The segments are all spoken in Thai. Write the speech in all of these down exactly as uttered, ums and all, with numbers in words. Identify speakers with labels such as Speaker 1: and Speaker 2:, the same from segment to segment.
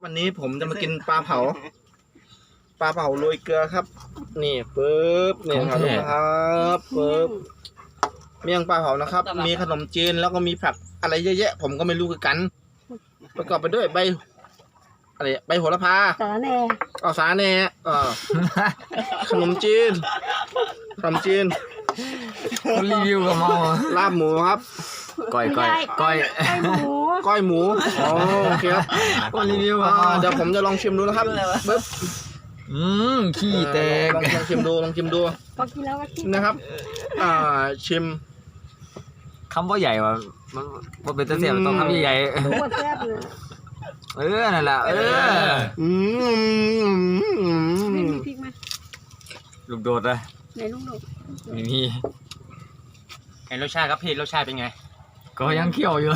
Speaker 1: วันนี้ผมจะมากินปลาเผาปลาเผาโรยเกลือครับ นี่ปึ๊บนี่ครับครับปึ๊บเมี่ยงปลาเผานะครับ มีขนมจีนแล้วก็มีผักอะไรเยอะแยะผมก็ไม่รู้คือกัน ประกอบไปด้วยใบอะไรใบโหระพา
Speaker 2: สาแหน่
Speaker 1: อ๋อสาแหน่เออขนมจีนขนมจีน
Speaker 3: คนรีวิวกับเมา
Speaker 1: ลาบหมูครับ
Speaker 3: ก้อยก้อยก้อย
Speaker 2: ไก่หมู
Speaker 1: ก้อยหมูอ๋อโอเคครับ
Speaker 3: คนรีวิวกับ
Speaker 1: อ่า
Speaker 3: เมา
Speaker 1: เดี๋ยวผมจะลองชิมดูนะครับปึ๊บ
Speaker 3: อืมขี้แตก
Speaker 1: ลองลองชิมดูลองชิมดู
Speaker 2: พอกินแล้วก็คิด
Speaker 1: นะครับ อ่าชิม
Speaker 3: คำว่าใหญ่ว่ะมันมันเป็นตะเสียบต้องคำใหญ่
Speaker 2: รู้ว่าแซ่บเลย
Speaker 3: ๆเออนั่นแหละเออ
Speaker 1: อืม
Speaker 2: ไม่มีพริกไหม
Speaker 3: ลูกโดดเลย
Speaker 2: ไหนลุงดู
Speaker 3: ไม่มี
Speaker 4: ไอ้รสชาติครับพี่รสชาติเป็นไง
Speaker 3: ก็ยังเคี่ยวอยู่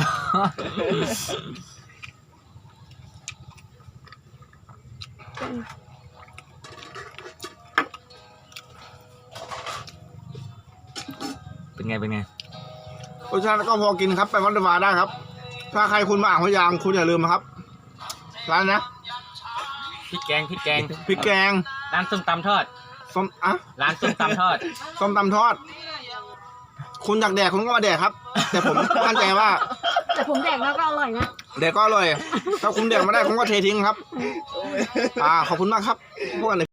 Speaker 3: เป็นไงเป็นไง
Speaker 1: รสชาติก็พอกินครับไปวัดวาได้ครับ ถ้าใครคุณมาอ่างพยางคุณอย่าลืมนะครับร้านนะ
Speaker 4: พริกแกงพริกแกง
Speaker 1: พริกแกง
Speaker 4: ร้านส้มตำทอด
Speaker 1: ส้มอะ
Speaker 4: ร้านส้มตำทอด
Speaker 1: ส้มตำทอด คุณอยากแดกคุณก็มาแดกครับ แต่ผมมั่นใจว่า
Speaker 2: แต่ผมแดกแล้วก็อร่อยนะ
Speaker 1: แดกก็อร่อยถ้าคุณแดกไม่ได้คุณก็เททิ้งครับ อ่าขอบคุณมากครับพวกกัน